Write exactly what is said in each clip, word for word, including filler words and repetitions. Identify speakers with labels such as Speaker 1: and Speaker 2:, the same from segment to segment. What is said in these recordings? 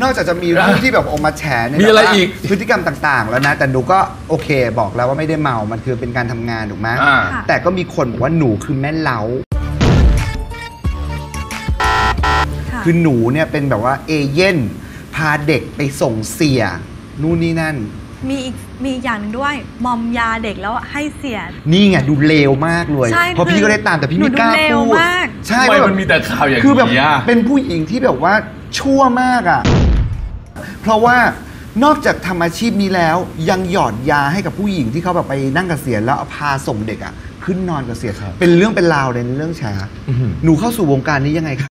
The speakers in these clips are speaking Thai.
Speaker 1: อกจากจะมีเรื่องที่แบบออกมาแฉเนี่ย
Speaker 2: มีอะไรอีก
Speaker 1: พฤติกรรมต่างๆแล้วนะแต่หนูก็โอเคบอกแล้วว่าไม่ได้เมามันคือเป็นการทำงานถูกไหมแต่ก็มีคนบอกว่าหนูคือแม่เล้าคือหนูเนี่ยเป็นแบบว่าเอเย่นพาเด็กไปส่งเสียนู่นนี่นั่น
Speaker 3: มีอีกมีอีกอย่างหนึ่งด้วยมอมยาเด็กแล้วให้เสีย
Speaker 1: นี่ไงดูเลวมากเลยเพราะพี่ก็ได้ตามแต่พี่ไม่กล้าพูด
Speaker 2: ใช่มันมีแต่ข่าวอย่างนี้
Speaker 1: คือแบบเป็นผู้หญิงที่แบบว่าชั่วมากอ่ะเพราะว่านอกจากทำอาชีพนี้แล้วยังหยอดยาให้กับผู้หญิงที่เขาแบบไปนั่งเกษียณแล้วพาส่งเด็กอ่ะขึ้นนอนเกษียณเป็นเรื่องเป็นราวเลยในเรื่องแฉหนูเข้าสู่วงการนี้ยังไงครับ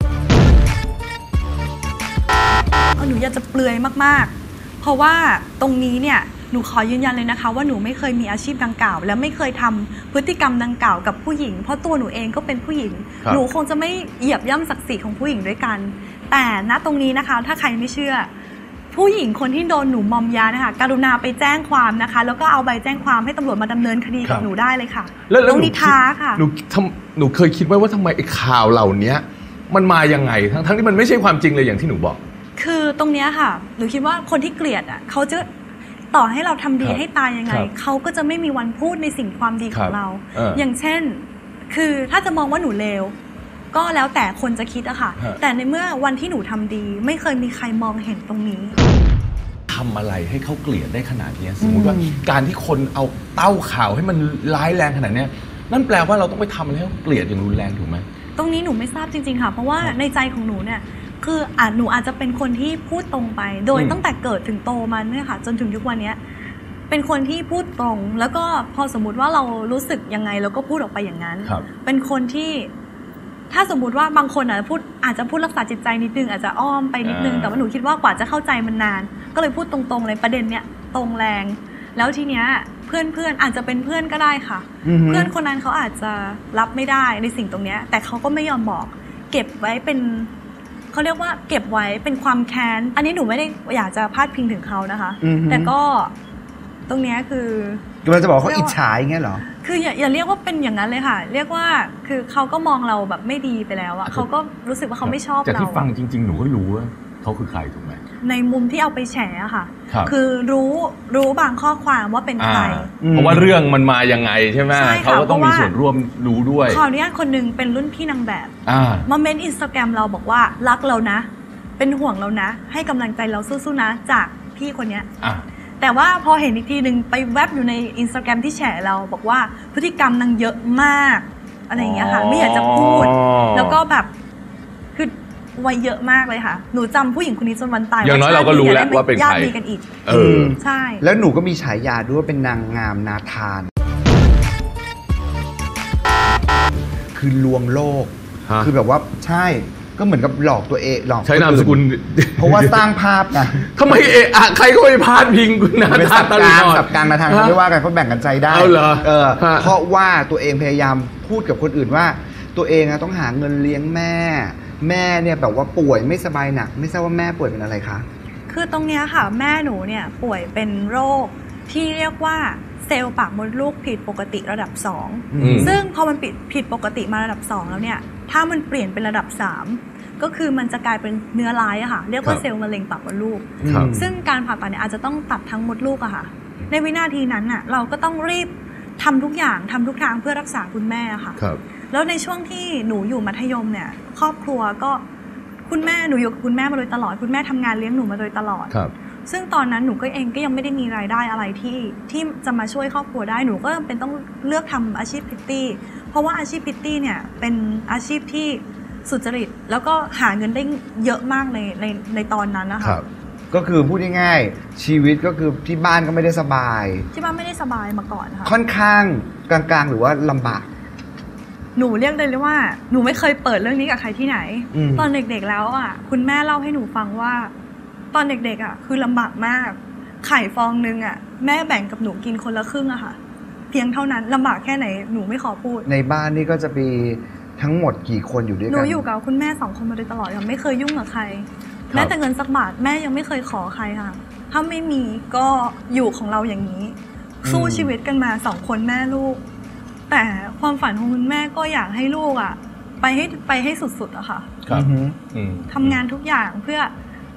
Speaker 3: หนูอยากจะเปลือยมากๆเพราะว่าตรงนี้เนี่ยหนูขอยืนยันเลยนะคะว่าหนูไม่เคยมีอาชีพดังกล่าวและไม่เคยทำพฤติกรรมดังกล่าวกับผู้หญิงเพราะตัวหนูเองก็เป็นผู้หญิงหนูคงจะไม่เหยียบย่ำศักดิ์ศรีของผู้หญิงด้วยกันแต่ณตรงนี้นะคะถ้าใครไม่เชื่อผู้หญิงคนที่โดนหนูมอมยานะคะกรุณาไปแจ้งความนะคะแล้วก็เอาใบแจ้งความให้ตำรวจมาดำเนินคดีกับหนูได้เลยค่ะน้องนิทาค่ะ
Speaker 2: หนูทำหนูเคยคิดไว้ว่าทำไมไอ้ข่าวเหล่านี้มันมายังไงทั้งทั้งที่มันไม่ใช่ความจริงเลยอย่างที่หนูบอก
Speaker 3: คือตรงนี้ค่ะหนูคิดว่าคนที่เกลียดอ่ะเขาจะต่อให้เราทำดีให้ตายยังไงเขาก็จะไม่มีวันพูดในสิ่งความดีของเราอย่างเช่นคือถ้าจะมองว่าหนูเลวก็แล้วแต่คนจะคิดอะค่ะแต่ในเมื่อวันที่หนูทำดีไม่เคยมีใครมองเห็นตรงนี้
Speaker 2: ทำอะไรให้เขาเกลียดได้ขนาดนี้สมมติว่าการที่คนเอาเต้าข่าวให้มันร้ายแรงขนาดนี้นั่นแปลว่าเราต้องไปทำอะไรให้เขาเกลียดอย่างรุนแรงถูกไหม
Speaker 3: ตรงนี้หนูไม่ทราบจริงๆค่ะเพราะว่าในใจของหนูเนี่ยคืออาจหนูอาจจะเป็นคนที่พูดตรงไปโดยตั้งแต่เกิดถึงโตมาเนี่ยค่ะจนถึงทุกวันนี้เป็นคนที่พูดตรงแล้วก็พอสมมุติว่าเรารู้สึกยังไงเราก็พูดออกไปอย่างนั้นเป็นคนที่ถ้าสมมุติว่าบางคนอาจจะพูดอาจจะพูดรักษาจิตใจนิดนึงอาจจะอ้อมไปนิดนึงแต่ว่าหนูคิดว่ากว่าจะเข้าใจมันนานก็เลยพูดตรงๆเลยประเด็นเนี้ยตรงแรงแล้วทีเนี้ยเพื่อนเพื่อนอาจจะเป็นเพื่อนก็ได้ค่ะเพื่อนคนนั้นเขาอาจจะรับไม่ได้ในสิ่งตรงเนี้ยแต่เขาก็ไม่ยอมบอกเก็บไว้เป็นเขาเรียกว่าเก็บไว้เป็นความแค้นอันนี้หนูไม่ได้อยากจะพาดพิงถึงเขานะคะแต่ก็ตรงนี้คือ
Speaker 1: เราจะบอกเขาอิจฉาอย่างเงี้ยเหรอ
Speaker 3: คืออย่าอย่าเรียกว่าเป็นอย่างนั้นเลยค่ะเรียกว่าคือเขาก็มองเราแบบไม่ดีไปแล้วอะเขาก็รู้สึกว่าเขาไม่ชอบเรา
Speaker 2: จากที่ฟังจริงๆหนูก็รู้ว่าเขาคือใครถูกไหม
Speaker 3: ในมุมที่เอาไปแฉอะค่ะคือรู้รู้บางข้อความว่าเป็นใคร
Speaker 2: เพราะว่าเรื่องมันมายังไงใช่ไหมเขาก็ต้องมีส่วนร่วมรู้ด้วย
Speaker 3: ขออนุญาตคนนึงเป็นรุ่นพี่นางแบบมาเมนอินสตาแกรมเราบอกว่ารักเรานะเป็นห่วงเรานะให้กำลังใจเราสู้ๆนะจากพี่คนนี้แต่ว่าพอเห็นอีกทีหนึ่งไปแวบอยู่ในอินสตาแกรมที่แฉเราบอกว่าพฤติกรรมนางเยอะมากอะไรอย่างเงี้ยค่ะไม่อยากจะพูดแล้วก็แบบคือวัยเยอะมากเลยค่ะหนูจำผู้หญิงคนนี้จนวันตาย
Speaker 2: อย่างน้อยเราก็รู้แล้วว่าเป็นใครญาติ
Speaker 3: ดีกันอีก
Speaker 2: เออ
Speaker 3: ใช่
Speaker 1: แล้วหนูก็มีฉายาด้วยเป็นนางงามนาธานคือลวงโลกคือแบบว่าใช่ก็เหมือนกับหลอกตัวเองหลอก
Speaker 2: ใช้นามสกุล
Speaker 1: เพราะว่าสร้างภาพนะ
Speaker 2: ทำไมเอะอะใครก็ไปพาดพิงคุณนาธานตลอด
Speaker 1: สับกลางนาธานเขาไม่ว่ากันเขาแบ่งกันใจได้
Speaker 2: เอาเหรอ
Speaker 1: เออเพราะว่าตัวเองพยายามพูดกับคนอื่นว่าตัวเองต้องหาเงินเลี้ยงแม่แม่เนี่ยแบบว่าป่วยไม่สบายหนักไม่ทราบว่าแม่ป่วยเป็นอะไรคะ
Speaker 3: คือตรงเนี้ยค่ะแม่หนูเนี่ยป่วยเป็นโรคที่เรียกว่าเซลล์ปากมดลูกผิดปกติระดับสองซึ่งพอมันผิดผิดปกติมาระดับสองแล้วเนี่ยถ้ามันเปลี่ยนเป็นระดับสามก็คือมันจะกลายเป็นเนื้อร้ายอะค่ะเรียกว่าเซลล์มะเร็งปากมดลูกซึ่งการผ่าตัดเนี่ยอาจจะต้องตัดทั้งมดลูกอะค่ะในวินาทีนั้นอะเราก็ต้องรีบทำทุกอย่างทำทุกทางเพื่อรักษาคุณแม่ค่ะแล้วในช่วงที่หนูอยู่มัธยมเนี่ยครอบครัวก็คุณแม่หนูอยู่กับคุณแม่มาโดยตลอดคุณแม่ทำงานเลี้ยงหนูมาโดยตลอดซึ่งตอนนั้นหนูก็เองก็ยังไม่ได้มีรายได้อะไรที่ที่จะมาช่วยครอบครัวได้หนูก็เป็นต้องเลือกทำอาชีพพิตตี้เพราะว่าอาชีพพิตตี้เนี่ยเป็นอาชีพที่สุจริตแล้วก็หาเงินได้เยอะมากในในในตอนนั้นนะคะ
Speaker 1: ก็คือพูดง่ายๆชีวิตก็คือที่บ้านก็ไม่ได้สบาย
Speaker 3: ที่บ้านไม่ได้สบายมาก่อนค่ะ
Speaker 1: ค่อนข้างกลางๆหรือว่าลำบาก
Speaker 3: หนูเรียกได้เลยว่าหนูไม่เคยเปิดเรื่องนี้กับใครที่ไหนตอนเด็กๆแล้วอ่ะคุณแม่เล่าให้หนูฟังว่าตอนเด็กๆอ่ะคือลำบากมากไข่ฟองนึงอ่ะแม่แบ่งกับหนูกินคนละครึ่งอะค่ะเพียงเท่านั้นลำบากแค่ไหนหนูไม่ขอพูด
Speaker 1: ในบ้านนี่ก็จะมีทั้งหมดกี่คนอยู่ด้วยกัน
Speaker 3: หนูอยู่กับคุณแม่สองคนมาโดยตลอดค่ะไม่เคยยุ่งกับใครแม้แต่เงินสักบาทแม่ยังไม่เคยขอใครค่ะถ้าไม่มีก็อยู่ของเราอย่างนี้สู้ชีวิตกันมาสองคนแม่ลูกแต่ความฝันของคุณแม่ก็อยากให้ลูกอ่ะไปให้ไปให้สุดๆอะค่ะทำงานทุกอย่างเพื่อ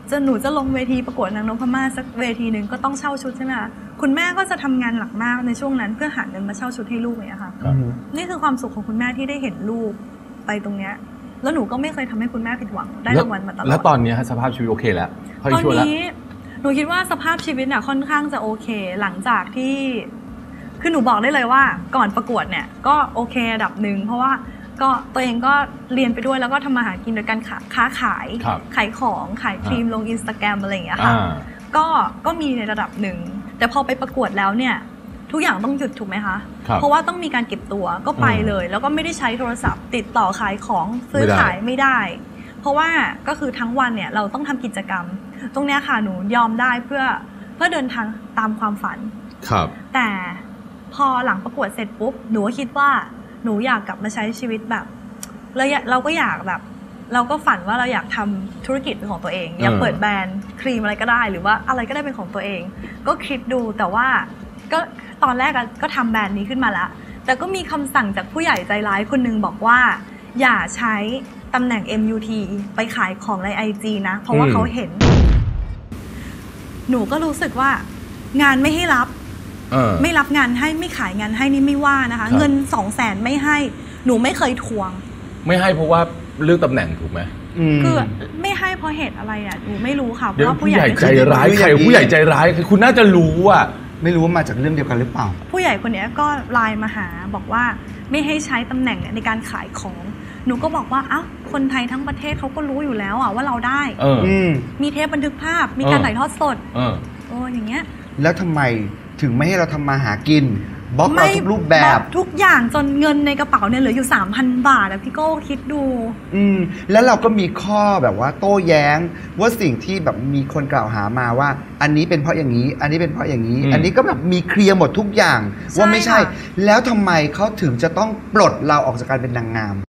Speaker 3: จะหนูจะลงเวทีประกวดนางนพมาศสักเวทีหนึ่งก็ต้องเช่าชุดใช่ไหมคะคุณแม่ก็จะทำงานหนักมากในช่วงนั้นเพื่อหาเงินมาเช่าชุดให้ลูกเนี่ยค่ะ
Speaker 2: ครับ
Speaker 3: นี่คือความสุขของคุณแม่ที่ได้เห็นลูกไปตรงเนี้ยแล้วหนูก็ไม่เคยทำให้คุณแม่ผิดหวังได้รางวัลมาตลอด
Speaker 2: แล้วตอนนี้สภาพชีวิตโอเคแล้วเขา
Speaker 3: ตอน
Speaker 2: ช่วยแล้ว
Speaker 3: นี้หนูคิดว่าสภาพชีวิตเนี่ยค่อนข้างจะโอเค หลังจากที่คือหนูบอกได้เลยว่าก่อนประกวดเนี่ยก็โอเคระดับหนึ่งเพราะว่าก็ตัวเองก็เรียนไปด้วยแล้วก็ทำมาหากินโดยการค้าขาย
Speaker 2: ครับ
Speaker 3: ขายของขายครีมลงอินสตาแกรมอะไรอย่างเงี้ยค่ะ
Speaker 2: อ่า
Speaker 3: ก็ก็มีในระดับหนึ่งแต่พอไปประกวดแล้วเนี่ยทุกอย่างต้องหยุดถูกไหมคะ
Speaker 2: ครับ
Speaker 3: เพราะว่าต้องมีการเก็บตัวก็ไป
Speaker 2: อืม
Speaker 3: เลย แล้วก็ไม่ได้ใช้โทรศัพท์ ติดต่อขายของซื้อ
Speaker 2: ไม่ได้
Speaker 3: ขายไม่ได้ เพราะว่าก็คือทั้งวันเนี่ยเราต้องทำกิจกรรม ตรงเนี้ยค่ะหนูยอมได้เพื่อเพื่อเดินทางตามความฝัน
Speaker 2: ครับ
Speaker 3: แต่พอหลังประกวดเสร็จปุ๊บหนูก็คิดว่าหนูอยากกลับมาใช้ชีวิตแบบเราอยากเราก็อยากแบบ เราก็ฝันว่าเราอยากทำธุรกิจเป็นของตัวเองอยากเปิดแบรนด์ครีมอะไรก็ได้ หรือว่าอะไรก็ได้เป็นของตัวเอง ก็คิดดูแต่ว่าก็ตอนแรกก็ทำแบรนด์นี้ขึ้นมาแล้วแต่ก็มีคำสั่งจากผู้ใหญ่ใจร้ายคนหนึงบอกว่าอย่าใช้ตำแหน่ง เอ็ม ยู ที ไปขายของใน ไอ จี นะเพราะว่า
Speaker 2: อืม
Speaker 3: เขาเห็น หนูก็รู้สึกว่างานไม่ให้รับ
Speaker 2: เออ
Speaker 3: ไม่รับงานให้ไม่ขายงานให้นี่ไม่ว่านะคะ
Speaker 2: ครับ
Speaker 3: เงินสองแสนไม่ให้หนูไม่เคยทวง
Speaker 2: ไม่ให้เพราะว่าเรื่องตำแหน่งถูกไหม
Speaker 3: คือไม่ให้เพราะเหตุอะไรอ่ะหนูไม่รู้ค่ะเพ
Speaker 2: เดี๋ยว
Speaker 3: ราะว่า
Speaker 2: ผู้
Speaker 3: ผู้
Speaker 2: ให
Speaker 3: ให
Speaker 2: ญ่
Speaker 3: ญ่
Speaker 2: ใจร้าย
Speaker 1: คือ
Speaker 2: ใคร
Speaker 1: อย่างนี้
Speaker 2: ผู้ใหญ่ใจร้ายคือคุณน่าจะรู้อ่ะ
Speaker 1: ไม่รู้ว่ามาจากเรื่องเดียวกันหรือเปล่า
Speaker 3: ผู้ใหญ่คนนี้ก็ไลน์มาหาบอกว่าไม่ให้ใช้ตำแหน่งเนี่ยในการขายของ หนูก็บอกว่าอ้าวคนไทยทั้งประเทศเขาก็รู้อยู่แล้วอ่ะว่าเราได้
Speaker 2: เออ
Speaker 1: อืม
Speaker 3: มีเทปบันทึกภาพมีการ
Speaker 2: เออ
Speaker 3: ถ่ายทอดสด
Speaker 2: เออ
Speaker 3: โอ้อย่างเงี้ย
Speaker 1: แล้วทำไมถึงไม่ให้เราทำมาหากินบล็อกเราทุกรูปแบบ
Speaker 3: อกทุกอย่างจนเงินในกระเป๋าเนี่ยเหลืออยู่ สามพัน บาทอะพี่โก้คิดดู
Speaker 1: อืมแล้วเราก็มีข้อแบบว่าโต้แย้งว่าสิ่งที่แบบมีคนกล่าวหามาว่า อันนี้เป็นเพราะอย่างนี้ อันนี้เป็นเพราะอย่างนี้
Speaker 2: อืม
Speaker 1: อันนี้ก็แบบมีเคลียร์หมดทุกอย่างว่าไม่ใช่
Speaker 3: ใช่ค่ะ
Speaker 1: แล้วทำไมเขาถึงจะต้องปลดเราออกจากการเป็นนางงาม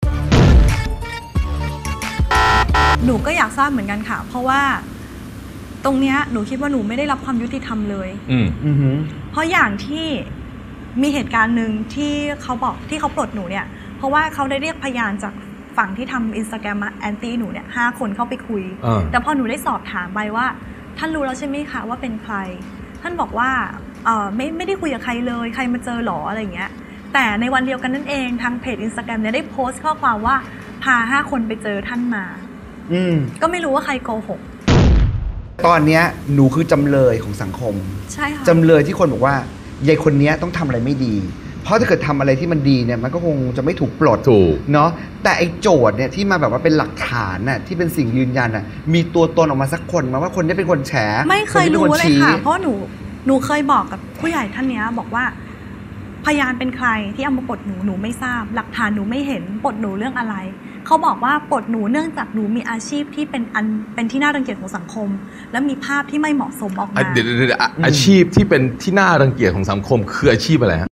Speaker 3: หนูก็อยากทราบเหมือนกันค่ะ เพราะว่าตรงเนี้ยหนูคิดว่าหนูไม่ได้รับความยุติธรรมเลย
Speaker 2: อืม
Speaker 1: อือหือ
Speaker 3: เพราะอย่างที่มีเหตุการณ์หนึ่งที่เขาบอกที่เขาปลดหนูเนี่ย เพราะว่าเขาได้เรียกพยานจากฝั่งที่ทำอินสตาแกรมแอนตี้หนูเนี่ยห้าคนเข้าไปคุย
Speaker 2: เออ
Speaker 3: แต่พอหนูได้สอบถามไปว่า ท่านรู้แล้วใช่ไหมคะว่าเป็นใคร ท่านบอกว่าเออไม่ไม่ได้คุยกับใครเลยใครมาเจอหรออะไรอย่างเงี้ย แต่ในวันเดียวกันนั่นเองทางเพจอินสตาแกรมเนี่ยได้โพสต์ข้อความว่าพาห้าคนไปเจอท่านมา
Speaker 1: อืม
Speaker 3: ก็ไม่รู้ว่าใครโกหก
Speaker 1: ตอนเนี้ยหนูคือจำเลยของสังคม
Speaker 3: ใช่ค่ะ
Speaker 1: จำเลยที่คนบอกว่ายายคนเนี้ยต้องทำอะไรไม่ดี เพราะถ้าเกิดทำอะไรที่มันดีเนี่ยมันก็คงจะไม่ถูกปลด
Speaker 2: ถูก
Speaker 1: เนาะแต่ไอ้โจทย์เนี่ยที่มาแบบว่าเป็นหลักฐานน่ะที่เป็นสิ่งยืนยันน่ะมีตัวตนออกมาสักคนมาว่าคนนี้เป็นคนแฉ
Speaker 3: ไม่เคย
Speaker 1: นนี้
Speaker 3: รู้
Speaker 1: ป็นน
Speaker 3: เลย
Speaker 1: ชี้
Speaker 3: ค่ะ เพราะหนูหนูเคยบอกกับผู้ใหญ่ท่านเนี้ยบอกว่าพยานเป็นใครที่เอามาปลดหนูหนูไม่ทราบ หลักฐานหนูไม่เห็นปลดหนูเรื่องอะไรเขาบอกว่าปลดหนูเนื่องจากหนูมีอาชีพที่เป็นอันเป็นที่น่ารังเกียจของสังคม และมีภาพที่ไม่เหมาะสมออก
Speaker 2: อ่ะ
Speaker 3: มา
Speaker 2: เดี๋ยวเดี๋ยวเดี๋ยวอ่ะอาชีพที่เป็นที่น่ารังเกียจของสังคมคืออาชีพอะไรฮะ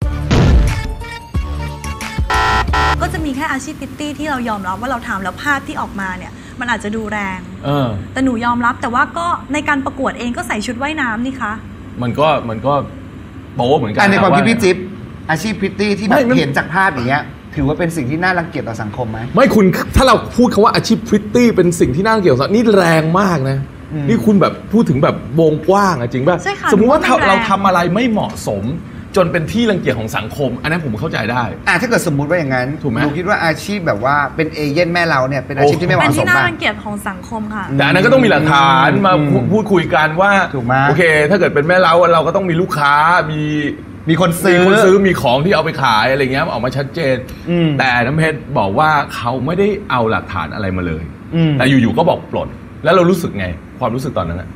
Speaker 3: ก็จะมีแค่อาชีพพิตตี้ที่เรายอมรับว่าเราทำแล้วภาพที่ออกมาเนี่ยมันอาจจะดูแรง
Speaker 2: เออ
Speaker 3: แต่หนูยอมรับแต่ว่าก็ในการประกวดเองก็ใส่ชุดว่ายน้ำนี่คะ
Speaker 2: มันก็มันก็โป๊เหมือนกั
Speaker 1: อันในความคิด
Speaker 2: นะ
Speaker 1: พี่จิ๊บอาชีพพริตตี้ที่แบ
Speaker 2: ไม่
Speaker 1: บ
Speaker 2: มัน
Speaker 1: เห็นจากภาพอย่างเงี้ยถือว่าเป็นสิ่งที่น่ารังเกียจต่อสังคมไหม
Speaker 2: ไม่คุณถ้าเราพูดคำว่าอาชีพพริตตี้เป็นสิ่งที่น่าเกี่ยวกับนี่แรงมากนะ
Speaker 1: อืม
Speaker 2: นี่คุณแบบพูดถึงแบบวงกว้างอะจริงป่ะ
Speaker 3: ใช่ค่ะ
Speaker 2: สมมุติว่า
Speaker 3: หนูว่ามันแรง
Speaker 2: เราทำอะไรไม่เหมาะสม จนเป็นที่รังเกียจของสังคม อันนั้นผมเข้าใจได้
Speaker 1: อ่ะถ้าเกิดสมมุติว่าอย่างนั้น
Speaker 2: ถูกไหม
Speaker 1: หนูคิดว่าอาชีพแบบว่าเป็นเอเย่นแม่เราเนี่ยเป็นอาชีพที่ไม่เห
Speaker 3: เป็น
Speaker 1: มาะส
Speaker 3: ที่
Speaker 1: ม
Speaker 3: น่า
Speaker 1: ป่ะ
Speaker 3: รังเกียจของสังคมค่ะ
Speaker 2: แต่อันนั้นก็ต้องมีหลักฐานมา
Speaker 1: อืม
Speaker 2: พูพูดคุยกันว่า
Speaker 1: ถูกไหม
Speaker 2: โอเค ถ้าเกิดเป็นแม่เราเราก็ต้องมีลูกค้ามี
Speaker 1: มีคน
Speaker 2: มี
Speaker 1: ซื้อ
Speaker 2: คนซื้อมีของที่เอาไปขายอะไรเงี้ยออกมาชัดเจน
Speaker 1: อืม
Speaker 2: แต่น้ำเพชรบอกว่าเขาไม่ได้เอาหลักฐานอะไรมาเลย
Speaker 1: อืม
Speaker 2: แต่อยู่ๆก็บอกปลด แล้วเรารู้สึกไง ความรู้สึกตอนนั้นอะ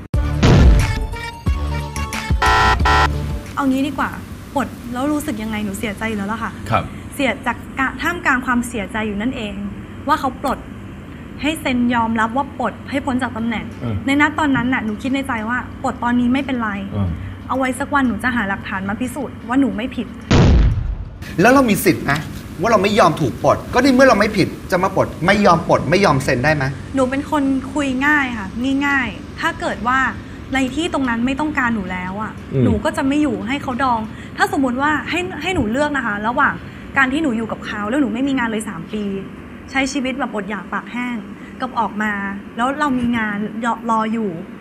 Speaker 3: เอางี้ดีกว่าปลดแล้วรู้สึกยังไงหนูเสียใจอยู่แล้วล่ะค่ะ
Speaker 2: ครับ
Speaker 3: เสียจากกะท่ามกลางความเสียใจอยู่นั่นเอง ว่าเขาปลดให้เซ็นยอมรับว่าปลดให้พ้นจากตำแหน่ง
Speaker 2: เออ
Speaker 3: ในนัดตอนนั้นน่ะหนูคิดในใจว่าปลดตอนนี้ไม่เป็นไร
Speaker 2: เออ
Speaker 3: เอาไว้สักวันหนูจะหาหลักฐานมาพิสูจน์ว่าหนูไม่ผิด
Speaker 1: แล้วเรามีสิทธิ์นะว่าเราไม่ยอมถูกปลดก็ในเมื่อเราไม่ผิดจะมาปลดไม่ยอมปลดไม่ยอมเซ็นได้ไหม
Speaker 3: หนูเป็นคนคุยง่ายค่ะง่ายๆถ้าเกิดว่าในที่ตรงนั้นไม่ต้องการหนูแล้วอ่ะ
Speaker 2: อืม
Speaker 3: หนูก็จะไม่อยู่ให้เขาดอง ถ้าสมมติว่าให้ให้หนูเลือกนะคะ ระหว่างการที่หนูอยู่กับเขาแล้วหนูไม่มีงานเลยสามปี ใช้ชีวิตแบบอดอยากปากแห้งกับออกมา แล้วเรามีงานรออยู่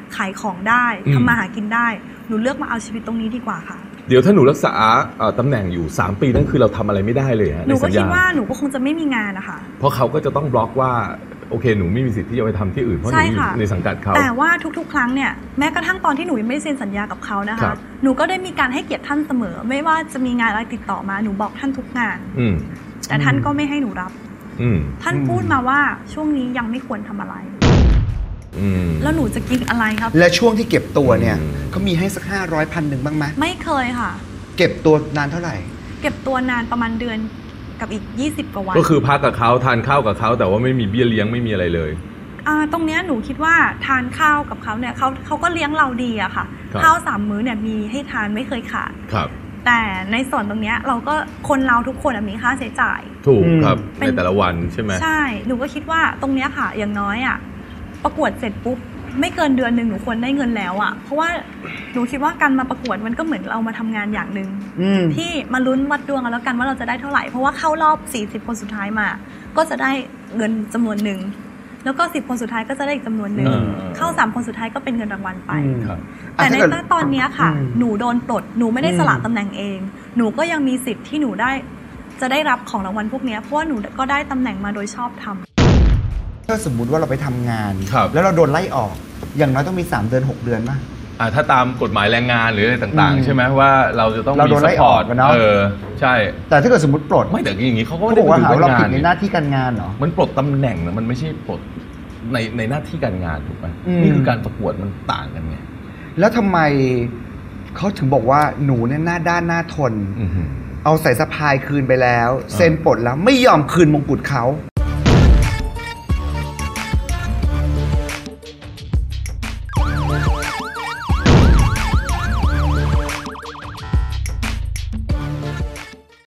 Speaker 3: ขายของได้
Speaker 2: อืม
Speaker 3: ทำมาหากินได้หนูเลือกมาเอาชีวิตตรงนี้ดีกว่าค่ะ
Speaker 2: เดี๋ยวถ้าหนูรักษาเอ่อตำแหน่งอยู่สามปีนั่นคือเราทำอะไรไม่ได้เลยฮะ
Speaker 3: หนู
Speaker 2: ใน
Speaker 3: ก็
Speaker 2: สัญ
Speaker 3: คิด
Speaker 2: ญา
Speaker 3: ว่าหนูก็คงจะไม่มีงานนะคะ
Speaker 2: เพราะเขาก็จะต้องบล็อกว่าโอเคหนูไม่มีสิทธิ์ที่จะไปทำที่อื่นเพราะหนู
Speaker 3: ใช่
Speaker 2: อยู่
Speaker 3: ค่ะ
Speaker 2: ในสังกัดเขา
Speaker 3: แต่ว่าทุกๆ ครั้งเนี่ยแม้กระทั่งตอนที่หนูยังไม่ได้เซ็นสัญญากับเขานะ
Speaker 2: ครั
Speaker 3: คะ
Speaker 2: บ
Speaker 3: หนูก็ได้มีการให้เกียรติท่านเสมอ ไม่ว่าจะมีงานอะไรติดต่อมาหนูบอกท่านทุกงาน
Speaker 2: อืม
Speaker 3: แต่ท่านก็ไม่ให้หนูรับ
Speaker 2: อืม
Speaker 3: ท่านพูดมาว่าช่วงนี้ยังไม่ควรทำอะไร
Speaker 2: อืม
Speaker 3: แล้วหนูจะกินอะไรครับ
Speaker 1: และช่วงที่เก็บตัวเนี่ย
Speaker 2: อืม
Speaker 1: เขามีให้สักห้าร้อยพันหนึ่งบ้างไหม
Speaker 3: ไม่เคยค่ะ
Speaker 1: เก็บตัวนานเท่าไหร่
Speaker 3: เก็บตัวนานประมาณเดือนกับอีกยี่สิบกว่าวัน
Speaker 2: ก็คือพักกับเขาทานข้าวกับเขาแต่ว่าไม่มีเบี้ยเลี้ยงไม่มีอะไรเลย
Speaker 3: อ่าตรงเนี้ยหนูคิดว่าทานข้าวกับเขาเนี่ยเขาเขาก็เลี้ยงเราดีอะค่ะ
Speaker 2: ครับ
Speaker 3: ข้าวสามมื้อเนี่ยมีให้ทานไม่เคยขาด
Speaker 2: ครับ
Speaker 3: แต่ในส่วนตรงเนี้ยเราก็คนเราทุกคนอะมีค่าใช้จ่าย
Speaker 2: ถูก
Speaker 1: อืม
Speaker 2: ครับ
Speaker 3: เป็
Speaker 2: ใน
Speaker 3: น
Speaker 2: แต่ละวันใช่ไหม
Speaker 3: ใช่หนูก็คิดว่าตรงเนี้ยค่ะ อย่างน้อยอะประกวดเสร็จปุ๊บไม่เกินเดือนหนึ่งหนูควรได้เงินแล้วอะเพราะว่าหนูคิดว่าการมาประกวดมันก็เหมือนเรามาทำงานอย่างหนึ่ง
Speaker 1: อืม
Speaker 3: ที่มาลุ้นวัดดวงกันแล้วกันว่าเราจะได้เท่าไหร่เพราะว่าเข้ารอบสี่สิบคนสุดท้ายมา ก็จะได้เงินจำนวนหนึ่งแล้วก็สิบคนสุดท้ายก็จะได้อีกจำนวนหนึ่ง
Speaker 2: เออ
Speaker 3: เข้าสามคนสุดท้ายก็เป็นเงินรางวัลไป
Speaker 1: อืม
Speaker 2: ครับ
Speaker 3: แต่ใน
Speaker 1: อ่ะถ้าเกิด
Speaker 3: ตอนเนี้ยค่ะ
Speaker 1: อืม
Speaker 3: หนูโดนปลดหนูไม่ได้
Speaker 1: อืม
Speaker 3: สละตำแหน่งเอง หนูก็ยังมีสิทธิ์ที่หนูได้จะได้รับของรางวัลพวกเนี้ยเพราะว่าหนูก็ได้ตำแหน่งมาโดยชอบทำ
Speaker 1: ถ้าสมมุติว่าเราไปทำงาน
Speaker 2: ครับ
Speaker 1: แล้วเราโดนไล่ออก อย่างน้อยต้องมีสามเดือนหกเดือนป่ะ
Speaker 2: อ่าถ้าตามกฎหมายแรงงานหรืออะไรต่าง
Speaker 1: อืม
Speaker 2: ๆ ใช่ไหมว่าเราจะต้อง
Speaker 1: เราโด
Speaker 2: มี
Speaker 1: น
Speaker 2: ซั
Speaker 1: ไล่
Speaker 2: พพอร์ต
Speaker 1: ออกอะเนาะ
Speaker 2: เออใช่
Speaker 1: แต่ถ้าเกิดสมมติปลด
Speaker 2: ไม่แต่อย่างนี้เขาก็
Speaker 1: เขา
Speaker 2: ไม่
Speaker 1: บ
Speaker 2: ได้
Speaker 1: อกว่าหาว่าเรา
Speaker 2: ง
Speaker 1: ผิดใน
Speaker 2: นี่
Speaker 1: หน้าที่การงานเหรอ
Speaker 2: มันปลดตำแหน่งนะมันไม่ใช่ปลดในในหน้าที่การงานถูกไหม
Speaker 1: อืม
Speaker 2: นี่คือการประกวดมันต่างกันไง
Speaker 1: แล้วทำไมเขาถึงบอกว่าหนูเนี่ยหน้าด้านหน้าทน
Speaker 2: อือหือ
Speaker 1: เอาใส่สะพายคืนไปแล้ว เซ็นปลดแล้วไม่ยอมคืนมงกุฎเขา